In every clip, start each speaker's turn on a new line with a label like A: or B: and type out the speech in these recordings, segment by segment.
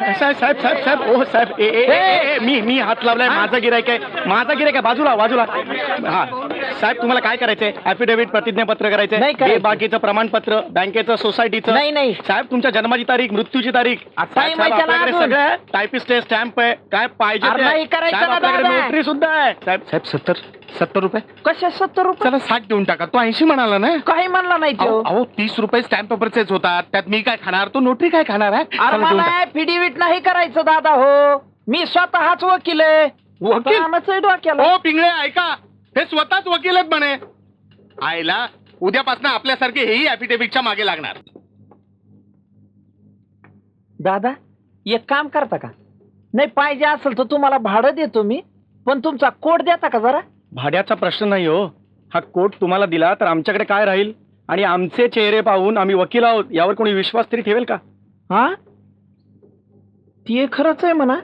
A: साहेब साहेब साहेब साहेब ओ साहेब ए ए ए, ए मी हात लावलाय. माझा गिरायक आहे बाजूला बाजूला. हा साहेब तुम्हाला काय करायचंय? ऍफिडेव्हिट प्रतिज्ञापत्र करायचंय, बाकीचं प्रमाणपत्र, बँकेचं, सोसायटीचं.
B: नाही
A: साहेब तुमच्या जन्माची तारीख, मृत्यूची तारीख, सगळं टायपिस्ट आहे, स्टॅम्प आहे, काय पाहिजे नोटरी सुद्धा आहे. साहेब साहेब 70 रुपये.
B: कशा 70 रुपये?
A: चला 60 देऊन टाका. तो 80 म्हणाला ना.
B: काही म्हणला नाही तो.
A: अहो 30 रुपये स्टॅम्प पेपरचेच होतात, त्यात मी काय खाणार, तो नोटरी काय खाणार आहे?
B: मला ऍफिडेव्हिट नाही करायचं दादा. हो मी स्वतःच वकील आहे.
A: वकील? हो पिंगळे ऐका, हे स्वतःच वकील आहेत म्हणे. आयला उद्यापासून आपल्यासारखे हेही ऍफिडेव्हिटच्या मागे लागणार.
B: दादा एक काम करता का? नाही पाहिजे असेल तर तुम्हाला भाडं देतो मी, पण तुमचा कोड देता का जरा?
A: भाड्याचा प्रश्न नाही हो. हा कोट तुम्हाला दिला तर आमच्याकडे काय राहील? आणि आमचे चेहरे पाहून आम्ही वकील आहोत यावर कोणी विश्वास तरी ठेवेल का?
B: हा ते खरंच आहे म्हणा.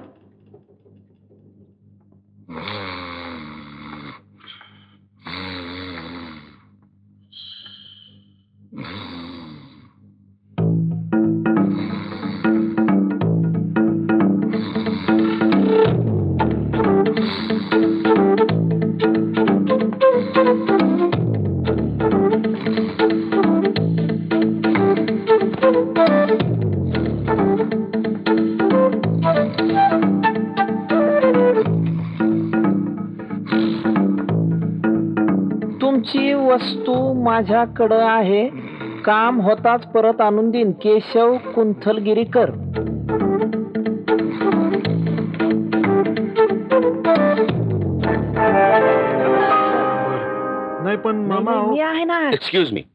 B: तुमची वस्तू माझ्याकडे आहे, काम होताच परत आणून देईन. केशव कुंथलगिरीकर.
A: नाही पण मामा
B: मी आहे ना.
C: Excuse me,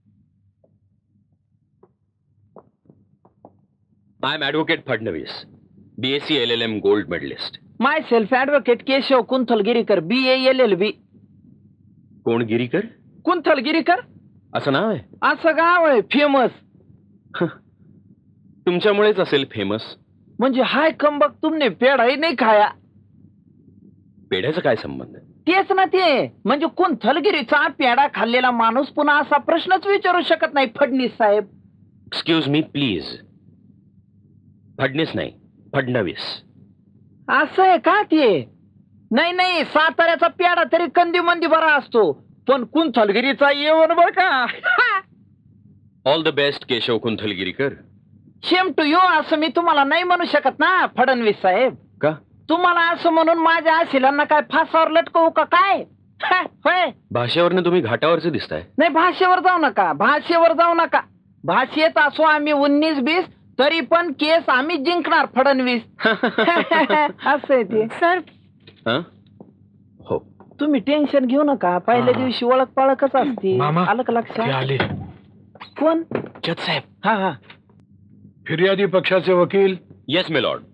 C: I am advocate Fadnavis, BSc LLM gold medalist.
B: Myself advocate Keshav Kunthalgirikar, BALLB.
C: कोण गिरीकर?
B: कुंथलगिरीकर
C: असं नाव आहे?
B: असं गाव आहे फेमस.
C: तुमच्यामुळेच असेल फेमस.
B: म्हणजे हाय कंबक तुमने पेढाही नाही खाया.
C: पेढ्याचा काय संबंध?
B: तेच ना ते, म्हणजे कुंथलगिरीचा पेढा खाल्लेला माणूस पुन्हा असा प्रश्नच विचारू शकत नाही. फडणीस साहेब.
C: Excuse me please. फडणीस नाही, फडणवीस.
B: असं आहे का ते? नाही साताऱ्याचा पेढा तरी कंदी मंदी बरा असतो, पण कुंथलगिरीचा येऊन बर का.
C: All the best Keshav Kunthalgirikar.
B: Shame to you असं मी तुम्हाला नाही म्हणू शकत ना फडणवीस साहेब.
C: का?
B: तुम्हाला असं म्हणून माझ्या आशिलांना काय फासावर लटकवू का काय? होय.
C: भाषेवरनं तुम्ही घाटावरचे दिसताय.
B: नाही भाषेवर जाऊ नका. भाषेत असो आम्ही 19-20 तरी पण केस आम्ही जिंकणार फडणवीस. असं आहे ते.
D: सर
C: हो,
B: तुम्ही टेन्शन घेऊ नका. पहिल्या दिवशी ओळख पाळखच असते. आलं का लक्षात? कोण?
A: जज साहेब.
B: हा
E: फिर्यादी पक्षाचे वकील.
C: Yes my lord.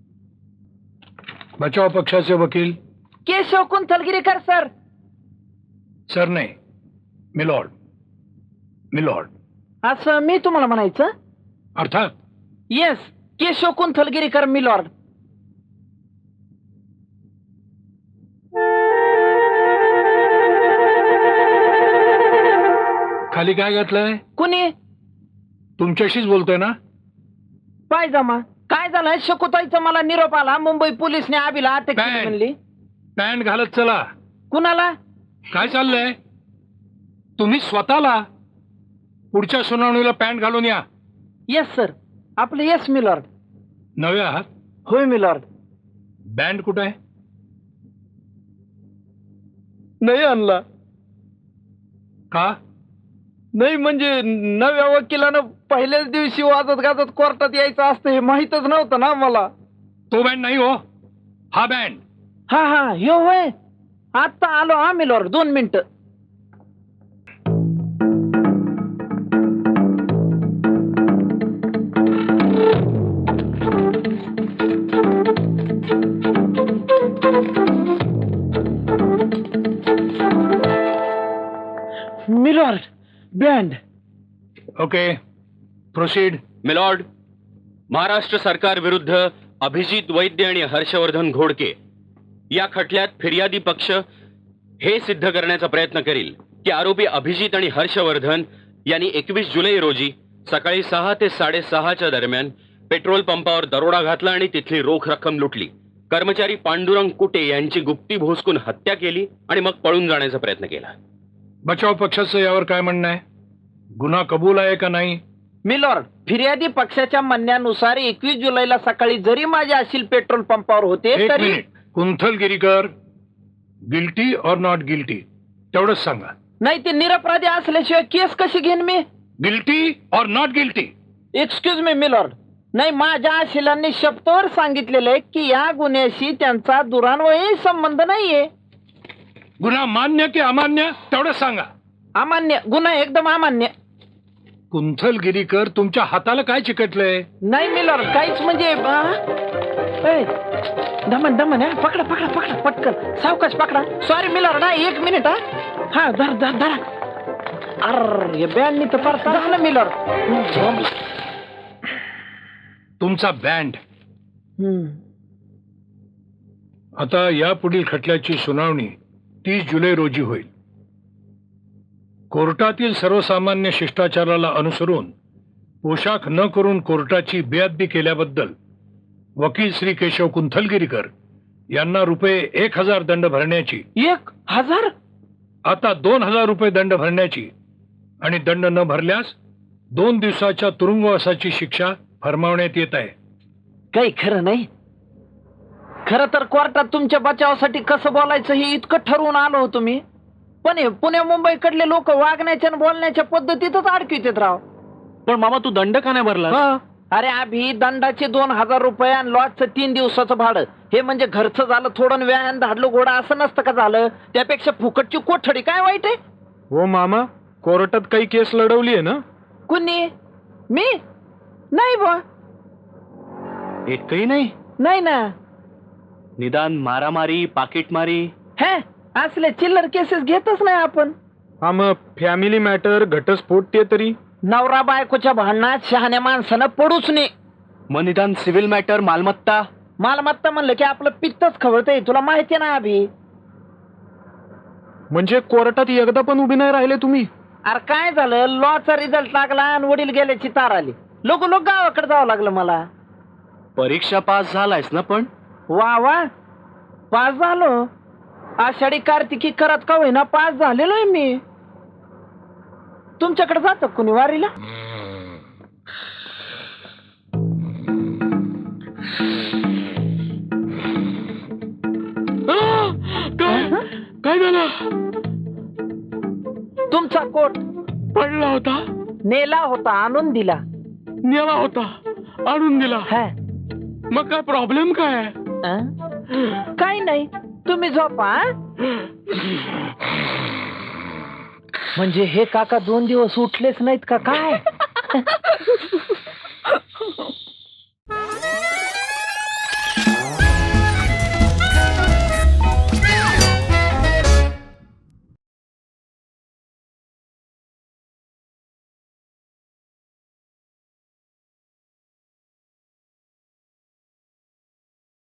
E: बचाव पक्षाचे वकील.
B: केशव कुंथलगिरीकर सर.
E: सर नाही, मिलॉर्ड. मिलॉर्ड
B: असं मी तुम्हाला म्हणायचं?
E: अर्थात.
B: Yes, Keshav Kunthalgirikar my lord.
E: खाली काय घातलंय?
B: कुणी?
E: तुमच्याशीच बोलतोय ना.
B: पायजमा. काय झालंय? शकुताईचा मला निरोप आला, मुंबई पोलिसने आबीला अटक केली म्हणली.
E: पॅन्ट घालत चला.
B: कुणाला?
E: काय चाललंय? तुम्ही स्वतःला पुढच्या सुनावणीला पॅन्ट घालून या.
B: Yes sir. आपलं येस मिलॉर्ड.
E: नवे आहात?
B: होय मिलॉर्ड.
E: बँड कुठे आहे?
B: नाही आणला.
E: का?
B: नाही म्हणजे नव्या वकिलानं पहिल्याच दिवशी वाजत गाजत कोर्टात यायचं असतं हे माहीतच नव्हतं ना मला.
E: तो बँड नाही हो, हा बँड.
B: हा ह्यो होय. आता आलो हा मिलॉर्ड, 2 मिनिटं. My lord band.
E: Okay, proceed.
C: My lord, Maharashtra सरकार विरुद्ध अभिजित वैद्य आणि हर्षवर्धन घोडके या खटल्यात फिर्यादी पक्ष हे सिद्ध करण्याचा प्रयत्न करील की आरोपी अभिजित आणि हर्षवर्धन यांनी 21 जुलै रोजी सकाळी 6 ते 6:30 दरम्यान पेट्रोल पंपावर दरोडा घातला आणि तिथली रोख रक्कम लुटली. कर्मचारी पांडुरंग कुटे यांची गुप्ती भोसकून हत्या केली आणि मग पळून जाण्याचा प्रयत्न केला.
E: बचाव पक्षाचं यावर काय म्हणणं आहे? गुन्हा कबूल आहे का नाही?
B: मिलॉर्ड, फिर्यादी पक्षाच्या म्हणण्यानुसार 21 जुलैला सकाळी जरी माझे असील पेट्रोल पंपावर होते
E: एक
B: तरी
E: मिनिट. कुंथलगिरीकर, गिल्टी और नॉट गिल्टी तेवढंच सांगा.
B: नाही, ते निरपराधी असल्याशिवाय केस कशी घेईन मी?
E: गिल्टी और not guilty?
B: Excuse me my lord, नाही, माझ्या आशिलांनी शब्दावर सांगितलेलं आहे की या गुन्ह्याशी त्यांचा दुरान्वयी संबंध नाहीये.
E: गुन्हा मान्य की अमान्य तेवढंच सांगा.
B: अमान्य. गुन्हा एकदम अमान्य.
E: कुंथलगिरीकर, तुमच्या हाताला काय चिकटलंय?
B: नाही मिलॉर्ड, काहीच म्हणजे दमन दमन हा, पकडा पकडा पकडा पटकन, सावकाश पकडा. सॉरी मिलॉर्ड, हा 1 मिनिट. हा धर धर धरा. अर हे बँडनी तर फार झालं मिलॉर्ड.
E: तुमचा बँड. आता या पुढील खटल्याची सुनावणी 30 जुलै रोजी होईल. कोर्टातील सर्वसामान्य शिष्टाचाराला अनुसरून पोशाख न करून कोर्टाची बेअदबी केल्याबद्दल वकील श्री केशव कुंथलगिरीकर यांना ₹1000 दंड भरण्याची,
B: 1000?
E: आता 2000 रुपये दंड भरण्याची आणि दंड न भरल्यास 2 दिवसाच्या तुरुंगवासाची शिक्षा फरमावण्यात येत आहे.
B: काही खरं नाही. खरं तर कोर्टात तुमच्या बचावासाठी कसं बोलायचं हे इतकं ठरवून आलो होतो मी, पण हे पुणे मुंबईकडले लोक वागण्याच्या आणि बोलण्याच्या पद्धतीतच अडकित राव.
A: पण मामा तू दंड का नाही भरला?
B: अरे अभि, दंडाचे 2000 रुपये आणि लॉजचं 3 दिवसाचं भाडं, हे म्हणजे घरचं झालं थोडं, व्यायाम धाडलो घोडा असं नसतं का झालं? त्यापेक्षा फुकटची कोठडी काय वाईट आहे?
A: हो मामा, कोर्टात काही केस लढवली आहे ना?
B: कुणी? मी नाही बा.
A: एकही नाही?
B: नाही ना.
A: निदान मारामारी, पाकिटमारी?
B: हे असले चिल्लर केसेस घेतच नाही आपण.
A: हा, मग फॅमिली मॅटर, घटस्फोट ते तरी?
B: नवरा बायकोच्या भांडणात शहाण्या माणसानं पडूच नये.
A: मग निदान सिव्हिल मॅटर, मालमत्ता?
B: मालमत्ता म्हणलं की आपलं पित्तच खवळतंय, तुला माहिती ना अभि.
A: म्हणजे कोर्टात एकदा पण उभी नाही राहिले तुम्ही?
B: अरे काय झालं, लॉचा रिझल्ट लागला आणि वडील गेल्याची तार आली. लोक गावाकडे जावं लागलं मला.
A: परीक्षा पास झालायस ना? पण
B: वा वा, पास झालो. आषाढी कार्तिकी करत का होईना पास झालेलो आहे मी. तुमच्याकडे जातं कुणी वारीला?
A: काय झालं?
B: तुमचा कोट
A: पडला होता?
B: नेला होता, आणून दिला.
A: नेला होता, आणून दिला.
B: हा,
A: मग काय प्रॉब्लेम काय?
B: काही नाही, तुम्ही झोपा. म्हणजे हे काका 2 दिवस उठलेच नाहीत का काय?